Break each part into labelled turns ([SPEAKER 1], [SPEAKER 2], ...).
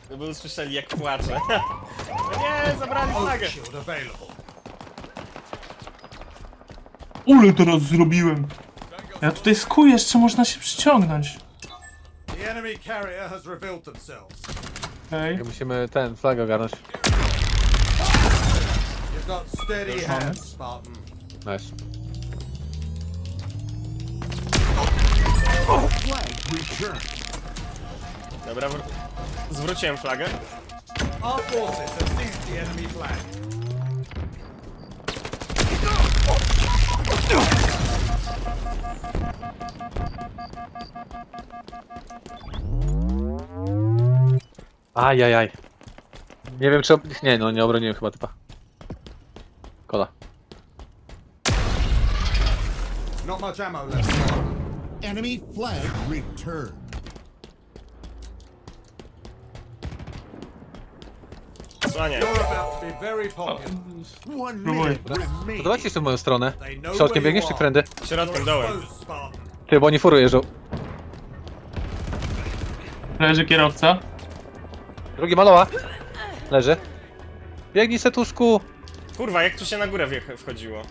[SPEAKER 1] By usłyszeli jak płaczę. No nie, zabrali flagę.
[SPEAKER 2] Ule teraz zrobiłem. Ja tutaj skuję, jeszcze można się przyciągnąć.
[SPEAKER 3] The enemy carrier has revealed themselves.
[SPEAKER 2] Okej.
[SPEAKER 4] Musimy ten flag ogarnąć.
[SPEAKER 3] You've got steady hands, Spartan.
[SPEAKER 4] Nice.
[SPEAKER 1] Dobra, zwróciłem flagę.
[SPEAKER 3] Our forces have seized the enemy flag.
[SPEAKER 4] Ajajaj. Nie wiem czy... Nie, no nie obroniłem chyba typa. Kola.
[SPEAKER 3] Not much ammo left, Spartan.
[SPEAKER 5] Enemy flag returned.
[SPEAKER 1] Słaniaj.
[SPEAKER 3] You're about to be very popular.
[SPEAKER 5] One
[SPEAKER 2] Próbuję.
[SPEAKER 5] minute remaining.
[SPEAKER 4] Podoba ci się w moją stronę?
[SPEAKER 3] They know
[SPEAKER 4] Środkiem
[SPEAKER 3] where
[SPEAKER 4] biegniesz
[SPEAKER 3] you
[SPEAKER 4] czy
[SPEAKER 3] are.
[SPEAKER 4] trendy?
[SPEAKER 1] Środkiem,
[SPEAKER 3] You're
[SPEAKER 1] dołem.
[SPEAKER 3] exposed, Spartan.
[SPEAKER 4] Ty, bo oni furą jeżdżą.
[SPEAKER 2] Leży kierowca.
[SPEAKER 4] Drugi maloła. Leży. Biegnij setuszku.
[SPEAKER 1] Kurwa, jak tu się na górę wchodziło.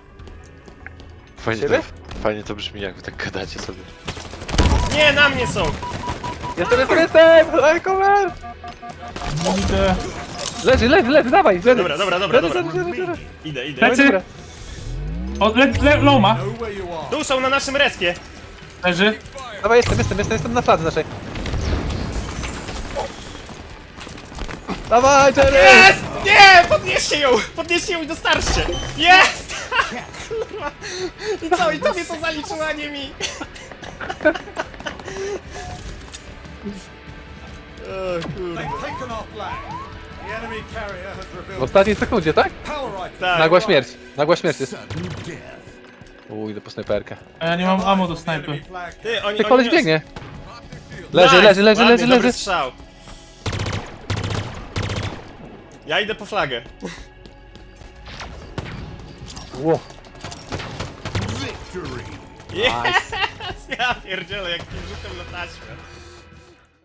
[SPEAKER 6] Fajnie to brzmi, jak wy tak gadacie sobie.
[SPEAKER 1] Nie, na mnie są!
[SPEAKER 4] Jestem! Cover!
[SPEAKER 2] Idę.
[SPEAKER 4] Leży, dawaj!
[SPEAKER 1] Dobra.
[SPEAKER 4] Leży.
[SPEAKER 1] Idę.
[SPEAKER 2] Plecy! O, Loma.
[SPEAKER 3] Know where you are.
[SPEAKER 1] Tu są na naszym respie!
[SPEAKER 2] Leży.
[SPEAKER 4] Dawaj, jestem na fladze naszej. Dawaj, Jerry!
[SPEAKER 1] Jest! Nie! Podnieście ją i dostarczcie! Jest! Kurwa! I co? I tobie to zaliczyło, a nie mi! O kurwa.
[SPEAKER 3] They've taken our flag. The enemy carrier has
[SPEAKER 4] W
[SPEAKER 3] revealed
[SPEAKER 4] ostatniej sekundzie, tak?
[SPEAKER 3] power rifle.
[SPEAKER 1] Tak.
[SPEAKER 4] Nagła śmierć jest.
[SPEAKER 5] Sudden death.
[SPEAKER 4] Idę po snajperkę.
[SPEAKER 2] A ja nie mam ammo do
[SPEAKER 3] The
[SPEAKER 2] snajpy.
[SPEAKER 3] enemy flag.
[SPEAKER 1] Ty, oni
[SPEAKER 4] Ty koleś
[SPEAKER 1] nios-
[SPEAKER 4] biegnie.
[SPEAKER 1] Nice!
[SPEAKER 4] Leży.
[SPEAKER 1] Ładny, dobry strzał. Ja idę po flagę.
[SPEAKER 4] Ło.
[SPEAKER 5] Victory.
[SPEAKER 1] Yes! Ja pierdzielę, jak rzutem na taśmę.